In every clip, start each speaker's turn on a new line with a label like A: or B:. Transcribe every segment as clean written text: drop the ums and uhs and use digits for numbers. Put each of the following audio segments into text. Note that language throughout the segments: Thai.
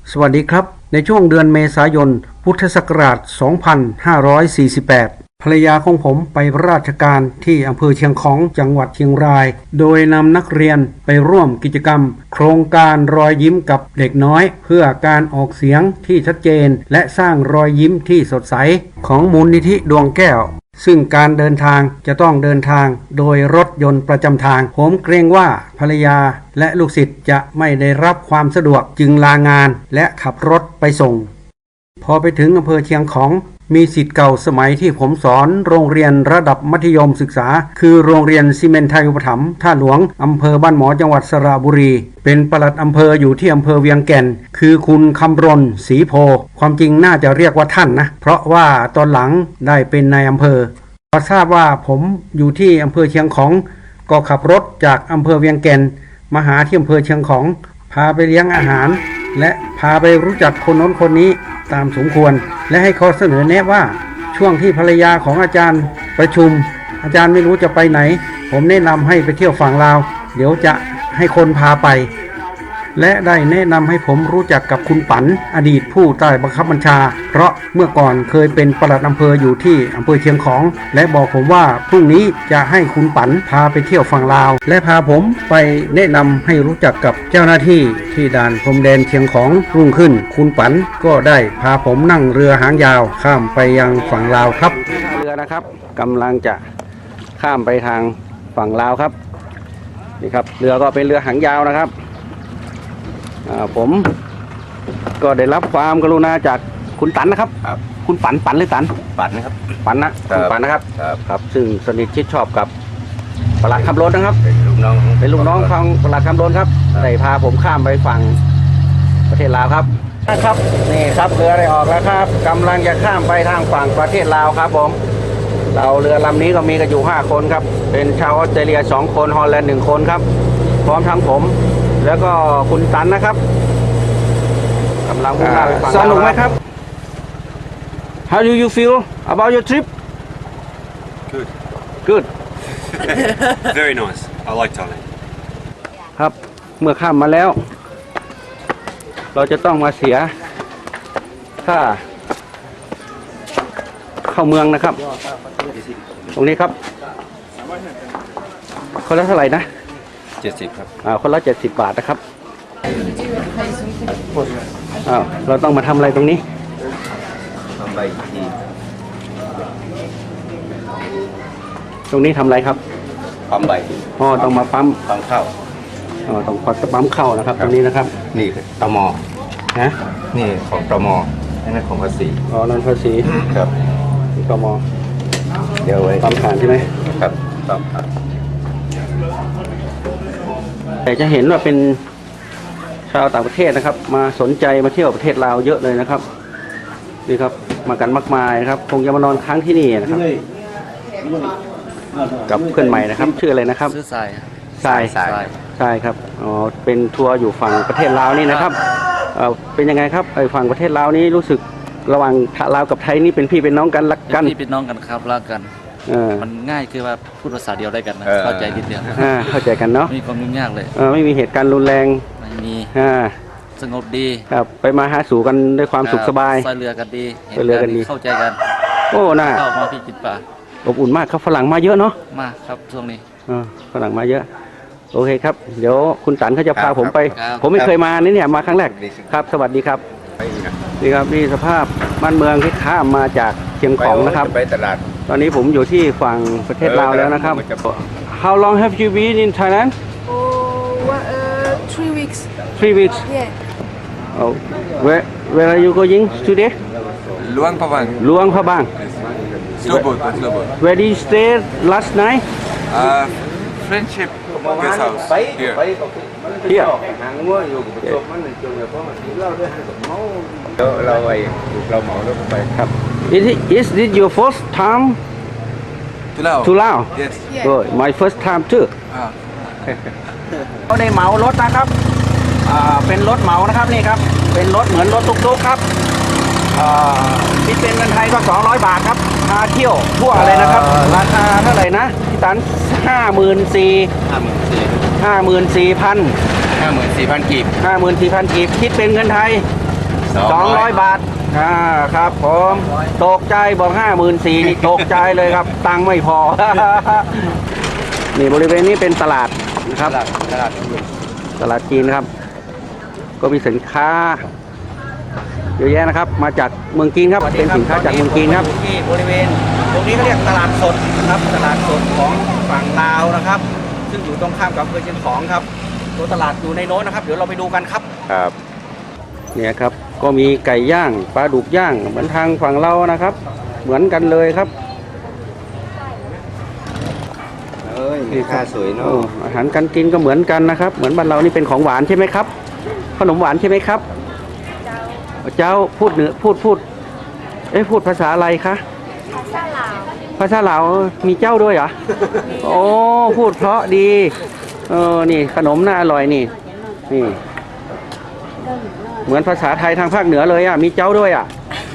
A: สวัสดีครับในช่วงเดือนเมษายนพุทธศักราช 2548 ภรรยาของผมไปราชการที่อำเภอเชียงของจังหวัดเชียงรายโดยนำนักเรียนไปร่วมกิจกรรมโครงการรอยยิ้มกับเด็กน้อยเพื่อการออกเสียงที่ชัดเจนและสร้างรอยยิ้มที่สดใสของมูลนิธิดวงแก้วซึ่งการเดินทางจะต้องเดินทางโดยรถยนต์ประจำทางผมเกรงว่าภรรยาและลูกศิษย์จะไม่ได้รับความสะดวกจึงลางานและขับรถไปส่งพอไปถึงอำเภอเชียงของมีศิษย์เก่าสมัยที่ผมสอนโรงเรียนระดับมัธยมศึกษาคือโรงเรียนซีเมนต์ไทยอุปถัมภ์ท่าหลวงอำเภอบ้านหมอจังหวัดสระบุรีเป็นปลัดอำเภออยู่ที่อำเภอเวียงแก่นคือคุณคำรณศรีโพความจริงน่าจะเรียกว่าท่านนะเพราะว่าตอนหลังได้เป็นนายอำเภอพอทราบว่าผมอยู่ที่อำเภอเชียงของก็ขับรถจากอำเภอเวียงแก่นมาหาที่อำเภอเชียงของพาไปเลี้ยงอาหารและพาไปรู้จักคนโน้นคนนี้ตามสมควรและให้เขาเสนอแนะว่าช่วงที่ภรรยาของอาจารย์ประชุมอาจารย์ไม่รู้จะไปไหนผมแนะนำให้ไปเที่ยวฝั่งลาวเดี๋ยวจะให้คนพาไปและได้แนะนำให้ผมรู้จักกับคุณปันอดีตผู้ใต้บังคับบัญชาเพราะเมื่อก่อนเคยเป็นปลัดอำเภออยู่ที่อำเภอเชียงของและบอกผมว่าพรุ่งนี้จะให้คุณปันพาไปเที่ยวฝั่งลาวและพาผมไปแนะนำให้รู้จักกับเจ้าหน้าที่ที่ด่านพรมแดนเชียงของรุ่งขึ้นคุณปันก็ได้พาผมนั่งเรือหางยาวข้ามไปยังฝั่งลาวครับเรือนะครับกำลังจะข้ามไปทางฝั่งลาวครับนี่ครับเรือก็เป็นเรือหางยาวนะครับผมก็ได้รับความกรุณาจากคุณตันนะครับคุณปันหรือตัน
B: ปันครับ
A: ปันนะคุณปันนะครับครับซึ่งสนิทชิดชอบกับปลัดคำรณนะครับเป็นลูกน้องของปลัดคำรณครับได้พาผมข้ามไปฝั่งประเทศลาวครับนะครับนี่ครับเรือได้ออกแล้วครับกำลังจะข้ามไปทางฝั่งประเทศลาวครับผมเราเรือลำนี้ก็มีกันอยู่5คนครับเป็นชาวออสเตรเลีย2คนฮอลแลนด์1คนครับพร้อมทั้งผมแล้วก็คุณตันนะครับกำลังมุ่งหน้าไปฝั่งสนุกไหมครับ How do you feel about your trip Good
B: Very nice I like Thailand
A: ครับเมื่อข้ามมาแล้วเราจะต้องมาเสียค่าเข้าเมืองนะครับตรงนี้ครับคนละเท่าไหร่นะ
B: 70ครับ
A: คนละ70 บาทนะครับเราต้องมาทำอะไรตรงนี้
B: ทำใบที
A: ตรงนี้ทำอะไรครับ
B: ปั๊มใบ
A: ต้องมาปั๊ม
B: เข้า
A: ต้องปั๊มเข้านะครับตรงนี้นะครับ
B: นี่ตม
A: ฮะ
B: นี่ของตมนั่นของภาษี
A: นั่นภาษี
B: ครับ
A: ตม
B: เดี๋ยวไว้
A: ปั๊มผ่านใช่ไหม
B: ครับปั๊ม
A: แต่จะเห็นว่าเป็นชาวต่างประเทศนะครับมาสนใจมาเที่ยวประเทศลาวเยอะเลยนะครับนี่ครับมากันมากมายนะครับคงจะมานอนค้างที่นี่นะครับกับเพื่อนใหม่นะครับชื่ออะไรนะครับ
C: ชื่อทราย
A: ทรายครับเป็นทัวร์อยู่ฝั่งประเทศลาวนี่นะครับเป็นยังไงครับฝั่งประเทศลาวนี้รู้สึกระหว่างลาวกับไทยนี่เป็นพี่เป็นน้องกันรักกัน
C: พี่เป็นน้องกันครับรักกันมันง่ายคือว่าพูดภาษาเดียวได้กันนะเข้าใจนิดเดียว
A: เข้าใจกันเนาะ
C: มีความยุ่งยากเลย
A: ไม่มีเหตุการณ์รุนแรง
C: ไม่มีสงบดี
A: ครับไปมาหาสู่กันด้วยความสุขสบาย
C: ซอยเรือกันดีเข้าใจกัน
A: โอ้น่า
C: เข้ามาพี่จิตป่า
A: อบอุ่นมากครับฝรั่งมาเยอะเนาะ
C: มากครับช่วงนี้
A: ฝรั่งมาเยอะโอเคครับเดี๋ยวคุณตันเขาจะพาผมไปผมไม่เคยมาเนี่ยมาครั้งแรกครับสวัสดีครับนี่ครับนี่สภาพบ้านเมืองที่ข้ามมาจากเชียงของนะครับ
B: ไปตลาด
A: ตอนนี้ผมอยู่ที่ฝั่งประเทศลาวแล้วนะครับ How long have you been in Thailand
D: 3 weeks
A: 3 weeks
D: yeah
A: where are you going today
B: Luang Prabang
A: Luang Prabang
B: slow boat
A: where did you stay last night
B: Friendship guest house hereเราเหมารถไป
A: ครับ Is this your first time to Laos
B: Yes
A: Good my first time too เขาได้เหมารถนะครับเป็นรถเหมานะครับนี่ครับเป็นรถเหมือนรถตุ๊กๆครับคิดเป็นเงินไทยก็200 บาทครับพาเที่ยวทั่วเลยนะครับราคาเท่าไหร่นะพี่ตัน54,000
B: 54,000 กีบ
A: คิดเป็นเงินไทย 200 บาทครับผมตกใจบอก54,000นี่ตกใจเลยครับ ตังค์ไม่พอ นี่บริเวณนี้เป็นตลาดนะครับตลาดจีนครับ ก็มีสินค้าเยอะแยะนะครับ มาจากเมืองจีนครับเป็นสินค้าจากเมืองจีนครับที่บริเวณตรงนี้เขาเรียกตลาดสดนะครับตลาดสดของฝั่งลาวนะครับ ซึ่งอยู่ตรงข้ามกับอำเภอเชียงของครับตัวตลาดอยู่ในโน้นนะครับเดี๋ยวเราไปดูกันครับครับเนี่ยครับก็มีไก่ย่างปลาดุกย่างเหมือนทางฝั่งเรานะครับ เหมือนกันเลยครับ
D: มีค่าสวยเนาะ
A: อาหารการกินก็เหมือนกันนะครับ เหมือนบ้านเรานี่เป็นของหวานใช่ไหมครับขนมหวานใช่ไหมครับเจ้าพูดเหนือพูดพูดภาษาอะไรคะภาษาลาวมีเจ้าด้วยเหรอโอ้พูดเพราะดีนี่ขนมน่าอร่อยนี่เหมือนภาษาไทยทางภาคเหนือเลยอ่ะมีเจ้าด้วยอ่ะ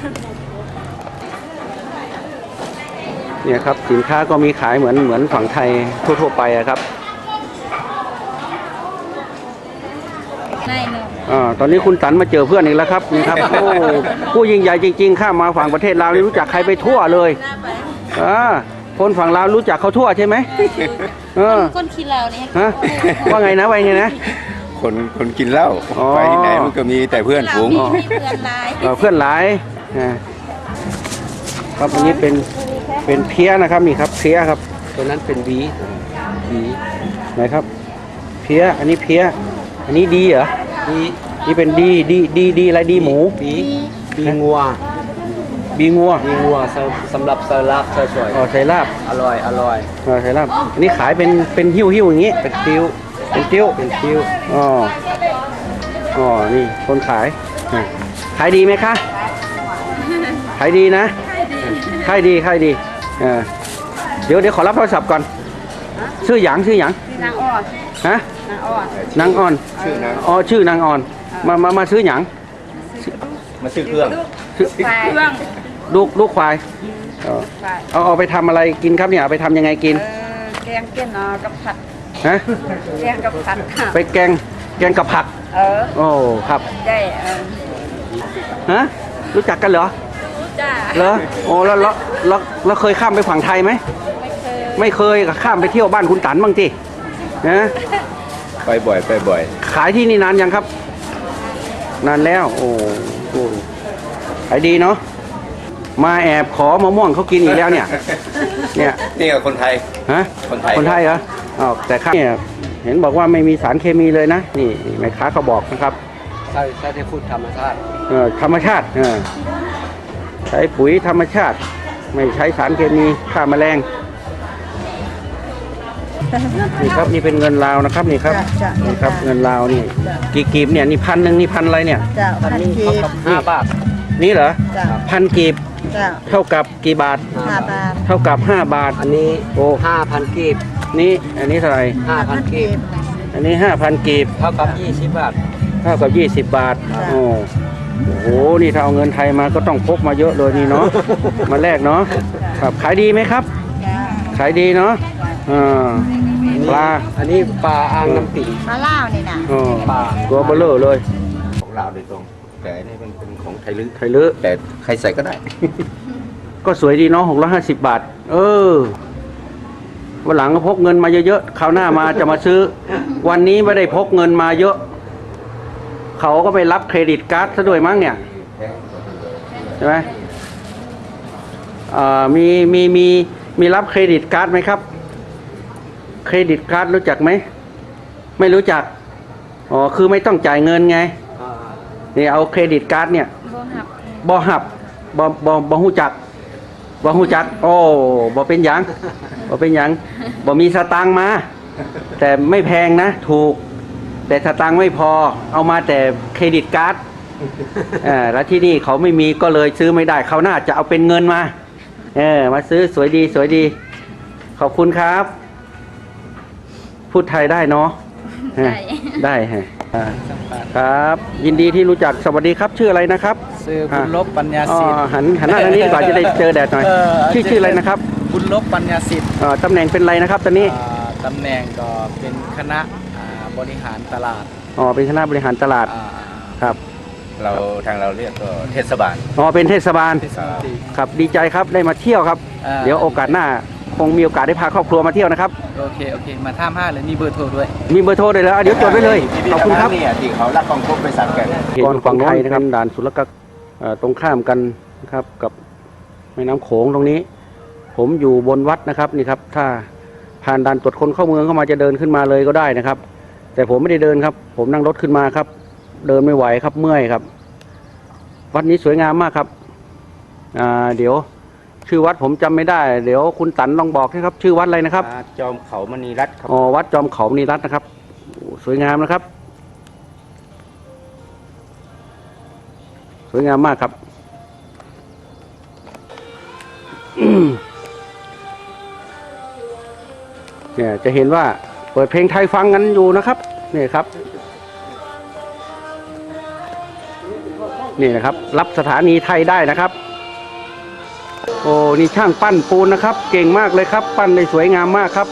A: เนี่ยครับสินค้าก็มีขายเหมือนฝั่งไทยทั่วๆไปอะครับตอนนี้คุณตันมาเจอเพื่อนอีกแล้วครับนี่ครับโอ้ผู้ยิ่งใหญ่จริงๆข้ามมาฝั่งประเทศลาวนี่รู้จักใครไปทั่วเลยคนฝั่งลาวรู้จักเขาทั่วใช่ไหม
E: คนขี้เหล้าเนี่ย
A: ว่าไงนะนะ
D: คนกินเหล้าไปที่ไหนมันก็มีแต่เพื่อนฝูง
E: เพื่อนหลาย
A: เพื่อนหลายครับอันนี้เป็นเพี้ยนะครับนี่ครับเพี้ยครับตัวนั้นเป็นบีไหนครับเพี้ยอันนี้เพี้ยอันนี้ดีเหรอดีนี่เป็นดีอะไรดีหมู
D: บีงัวสำหรับใส่ลาบสวย
A: ใส่ลาบ
D: อร่อย
A: ใส่ลาบอันนี้ขายเป็นหิ้วอย่างงี้เป็นติ้วนี่คนขายดีไหมคะขายดีนะขายดีเดี๋ยวขอรับโทรศัพท์ก่อนชื่อหยาง
E: นางอ่อน
A: ฮะนางอ่อนชื่อนางอ่อนมาซื้อหยาง
D: มาซื้อเครื่อง
A: ลูกควายเอาไปทำอะไรกินครับเนี่ยเอาไปทำยังไงกิน
E: แกงเกี้ยนกับผัด
A: ฮะ
E: แกงกับผัด
A: ไปแกงกับผักโอ้ครับ
E: ได้
A: ฮะรู้จักกันเหรอเหรอโอ้แล้วเคยข้ามไปฝั่งไทยไหมไม่เคยข้ามไปเที่ยวบ้านคุณตันบ้างจีนะ
D: ไปบ่อย
A: ขายที่นี่นานยังครับนานแล้วโอ้ขายดีเนาะมาแอบขอมะม่วงเขากินอีกแล้วเนี่ย
D: นี่กับคนไทย
A: ฮะคนไทยเหรอแต่ข้างเนี่ยเห็นบอกว่าไม่มีสารเคมีเลยนะนี่แม่ค้าเขาบอกนะครับ
D: ใช้แต่พูดธรรมชาติ
A: ธรรมชาติใช้ปุ๋ยธรรมชาติไม่ใช้สารเคมีฆ่าแมลงนี่ครับนี่เป็นเงินลาวนะครับนี่ครับเงินลาวนี่กี่กีบเนี่ยนี่1,000นี่พันอะไรเนี่ย
E: 1,000กีบ
D: 5 บาท
A: นี่เหรอ1,000กีบเท่ากับกี่บาท
E: 5 บาท
A: เท่ากับ5 บาท
D: อันนี้5,000กีบ
A: นี่อันนี้เท่าไหร่
D: 5,000กีบ
A: อันนี้5,000กีบ
D: เท่ากับ20 บาท
A: เท่ากับ20 บาทโอ้โหนี่ถ้าเอาเงินไทยมาก็ต้องพกมาเยอะเลยนี่เนาะมาแลกเนาะครับขายดีไหมครับขายดีเนาะปลา
D: อันนี้ปลาอ่างน้ำปิ่ง
E: ปลาล่าวนี่นะ
A: ปลาตัวเบลเลอร์เลย
D: ของลาวโดยตรงแต่นี่เป็นของไทย
A: ลึ
D: แต่ใครใส่ก็ได้
A: ก็สวยดีเนาะ650 บาทวันหลังก็พกเงินมาเยอะๆคราวหน้ามาจะมาซื้อวันนี้ไม่ได้พกเงินมาเยอะเขาก็ไปรับเครดิตการ์ดซะด้วยมั้งเนี่ยใช่ไหมมีรับเครดิตการ์ดไหมครับเครดิตการ์ดรู้จักไหมไม่รู้จักคือไม่ต้องจ่ายเงินไงนี่เอาเครดิตการ์ดเนี่ยบ่หับหูจักโอ้บ่เป็นหยังบ่มีสตางค์มาแต่ไม่แพงนะถูกแต่สตางค์ไม่พอเอามาแต่เครดิตการ์ดแล้วที่นี่เขาไม่มีก็เลยซื้อไม่ได้เขาน่าจะเอาเป็นเงินมามาซื้อสวยดีขอบคุณครับพูดไทยได้เนาะได้ครับ ยินดีที่รู้จักสวัสดีครับชื่ออะไรนะครับ
C: ชื่อบุญลบปัญญาสิทธิ์
A: หันหน้าทางนี้ดีกว่าจะได้เจอแดดหน่อยชื่ออะไรนะครับ
C: บุญลบปัญญาสิทธิ์
A: ตำแหน่งเป็นอะไรนะครับตอนนี้
C: ตำแหน่งก็เป็นคณะบริหารตลาด
A: เป็นคณะบริหารตลาดครับ
D: เราทางเราเรียกก็เทศบาล
A: อ๋อเป็นเทศบาล
D: ครับ
A: ครับดีใจครับได้มาเที่ยวครับ เดี๋ยวโอกาสหน้าคงมีโอกาสได้พาครอบครัวมาเที่ยวนะครับ
C: โอเคมาท่ามห้าเลยมีเบอร์โทรด้วย
A: มีเบอร์โทรเลยแล้วเดี๋ยวจดไว้เลยขอบคุณครับ
D: เนี่ยที่เขารับกองคบไปสัตว์กัน
A: ก่อนฝั่งไทยนะครับด่านศุลกากรตรงข้ามกันนะครับกับแม่น้ำโขงตรงนี้ ผมอยู่บนวัดนะครับนี่ครับถ้าผ่านด่านตรวจคนเข้าเมืองเข้ามาจะเดินขึ้นมาเลยก็ได้นะครับ แต่ผมไม่ได้เดินครับ ผมนั่งรถขึ้นมาครับ เดินไม่ไหวครับเมื่อยครับ วัดนี้สวยงามมากครับเดี๋ยวชื่อวัดผมจำไม่ได้เดี๋ยวคุณตันลองบอกนะครับ ชื่อวัดอะไรนะครับ
D: จอมเขามณีรัตน์ครับ
A: อ๋อวัดจอมเขามณีรัตน์นะครับโอ้สวยงามนะครับ สวยงามมากครับ เนี่ยจะเห็นว่าเปิดเพลงไทยฟังกันอยู่นะครับนี่ครับนี่นะครับ รับสถานีไทยได้นะครับ โอ้นี่ช่างปั้นปูนนะครับ เก่งมากเลยครับ ปั้นได้สวยงามมากครับ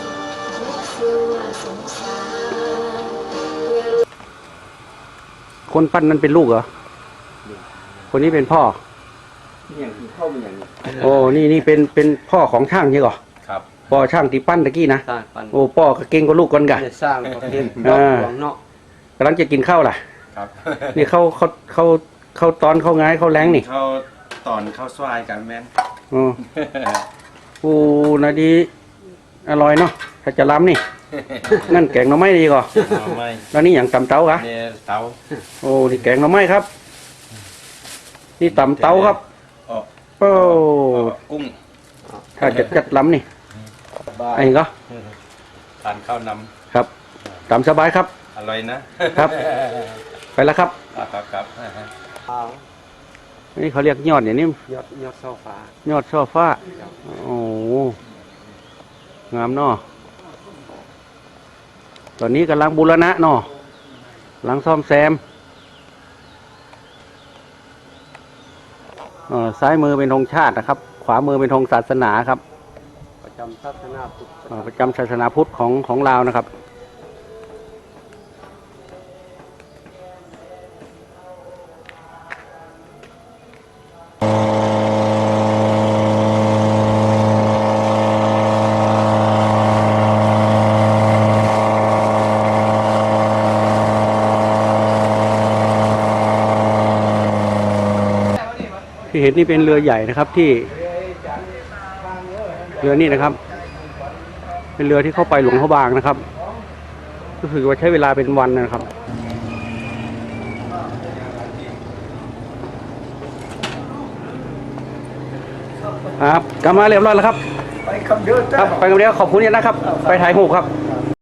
A: คนปั้นนั้นเป็นลูกเหรอคนนี้เป็นพ่อ
D: อย่างที่เข้าเป็นอย่างนี้
A: โอ้นี่เป็นพ่อของช่างใช่เหรอ
D: ครับ
A: พ่อช่างที่ปั้นตะกี้นะ
F: สร้างปัน
A: โอ้พ่อก็เก่งกว่าลูกกันกะ
F: สร้างประเทศ
A: อ่า
F: หลวงเนาะ
A: กำลังจะกินข้าวล่ะ
D: ครับ
A: นี่เขาตอนเขาง่ายเขาแรงนี่
D: เขาตอนเข้าสวายกันแม่น
A: อ๋อโอ้นาดีอร่อยเนาะถ้าจะล้ำนี่ นั่นแกงหน่อไม้ดีกว่า
D: ไม่
A: แล้วนี่อย่างตำเต้ากะ
D: เนี่ยเตา
A: โอ้นี่แกงหน่อไม้ครับ นี่ตำเต้าครับ
D: อ๋อ
A: โอ้
D: กุ้ง
A: ถ้าจะจัดล้ำนี่
F: บ้า
A: ไอ้ก็
D: ทานข้าวน
A: ครับตามสบายครับ
D: ำอร่อยนะครับ
A: ไปแล้วครับ
D: ครับ
A: นี่เขาเรียกยอดอย่างนี้
F: ยอดเสาฟ้าย
A: อดช่อฟ้า โอ้โหงามเนาะตอนนี้กำลังบูรณะเนาะกำลังซ่อมแซมซ้ายมือเป็นธงชาตินะครับ ขวามือเป็นธงศาสนาครับ
F: ประจำศาสนาพุทธ
A: ประจำศาสนาพุทธของลาวนะครับ ที่เห็นนี่เป็นเรือใหญ่นะครับที่เรือนี่นะครับ เป็นเรือที่เข้าไปหลวงพระบางนะครับรู้สึกว่าใช้เวลาเป็นวันนะครับครับกลับมาเรียบร้อยแล้วครับ
F: ไปคำเดิน
A: ครับไปกันเดียวขอบคุณนะครับ ไปถ่ายรูปครับ